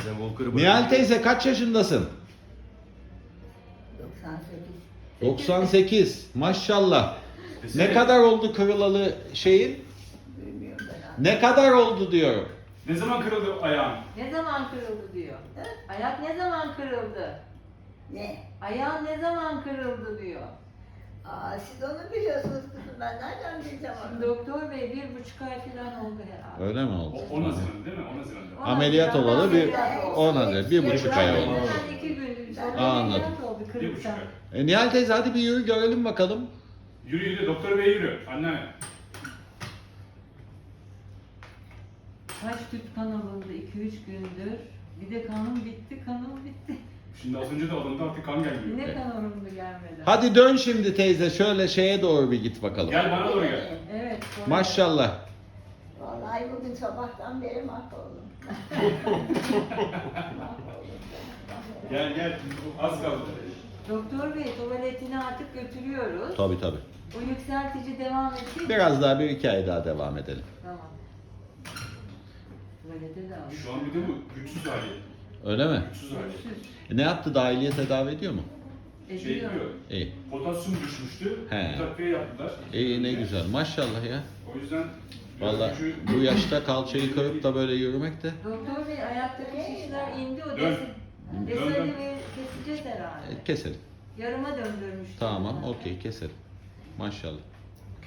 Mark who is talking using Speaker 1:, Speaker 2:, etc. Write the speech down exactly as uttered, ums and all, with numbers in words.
Speaker 1: Sen Volker'ı
Speaker 2: Nihal teyze kaç yaşındasın?
Speaker 3: doksan sekiz.
Speaker 2: doksan sekiz. Maşallah. Ne kadar oldu kırılalı şeyin?
Speaker 3: Bilmiyorum ben.
Speaker 2: Ne kadar oldu diyorum.
Speaker 4: Ne zaman kırıldı ayağın?
Speaker 5: Ne zaman kırıldı diyor. Ayak ne zaman kırıldı?
Speaker 3: Ne?
Speaker 5: Ayağın ne zaman kırıldı diyor.
Speaker 3: Aa, siz onu biliyorsunuz kızım. Ben nereden bileceğim onu?
Speaker 5: Doktor bey bir buçuk ay falan oldu herhalde.
Speaker 2: Öyle mi oldu?
Speaker 4: O, on Haziran değil mi? on Haziran'da.
Speaker 5: On
Speaker 2: Ameliyat
Speaker 5: Haziran'da
Speaker 2: olalı bir
Speaker 5: ameliyat oldu.
Speaker 2: on Haziran, bir buçuk ay oldu.
Speaker 5: Hemen iki gün sonra
Speaker 2: Anladım.
Speaker 5: ameliyat oldu
Speaker 4: Bir buçuk
Speaker 5: kırıktan.
Speaker 4: ay.
Speaker 2: E, Nihal teyze hadi bir yürü görelim bakalım.
Speaker 4: Yürü yürü doktor bey yürü. Anne.
Speaker 5: Kaç tüp kan alındı iki üç gündür. Bir de kanım bitti, kanım bitti.
Speaker 4: Şimdi az önce de alındı artık kan gelmiyor.
Speaker 5: Yine kan alındı gelmedi.
Speaker 2: Hadi dön şimdi teyze şöyle şeye doğru bir git bakalım.
Speaker 4: Gel bana doğru gel.
Speaker 5: Evet. sonra-
Speaker 2: Maşallah.
Speaker 3: Vallahi bugün sabahtan beri mahvoldum.
Speaker 4: Gel gel. Az kaldı.
Speaker 5: Doktor bey tuvaletini artık götürüyoruz.
Speaker 2: Tabii tabii.
Speaker 5: O yükseltici devam etsin.
Speaker 2: Biraz daha bir iki ay daha devam edelim.
Speaker 5: Tamam. Tuvalete de al.
Speaker 4: Şu an bir de bu güçsüz hali.
Speaker 2: Öyle mi?
Speaker 4: Güçsüz hali.
Speaker 5: Güçsüz.
Speaker 2: E, ne yaptı? Dahiliye tedavi ediyor mu?
Speaker 4: Şey
Speaker 5: Ediyor.
Speaker 4: diyor.
Speaker 2: İyi.
Speaker 4: Potasyum düşmüştü.
Speaker 2: He.
Speaker 4: Bir takviye yaptılar.
Speaker 2: İyi ne güzel. Maşallah ya.
Speaker 4: O yüzden biraz
Speaker 2: Vallahi
Speaker 4: gücü-
Speaker 2: bu yaşta kalçayı kırıp da böyle yürümek de.
Speaker 5: Doktor bey ayaktaki şişler indi o
Speaker 4: Dön.
Speaker 5: desi.
Speaker 4: Dön,
Speaker 5: Deseni
Speaker 4: dön.
Speaker 5: ve keseceğiz herhalde.
Speaker 2: E, keselim.
Speaker 5: Yarıma döndürmüştüm.
Speaker 2: Tamam,
Speaker 5: zaten.
Speaker 2: okey keselim. Maşallah.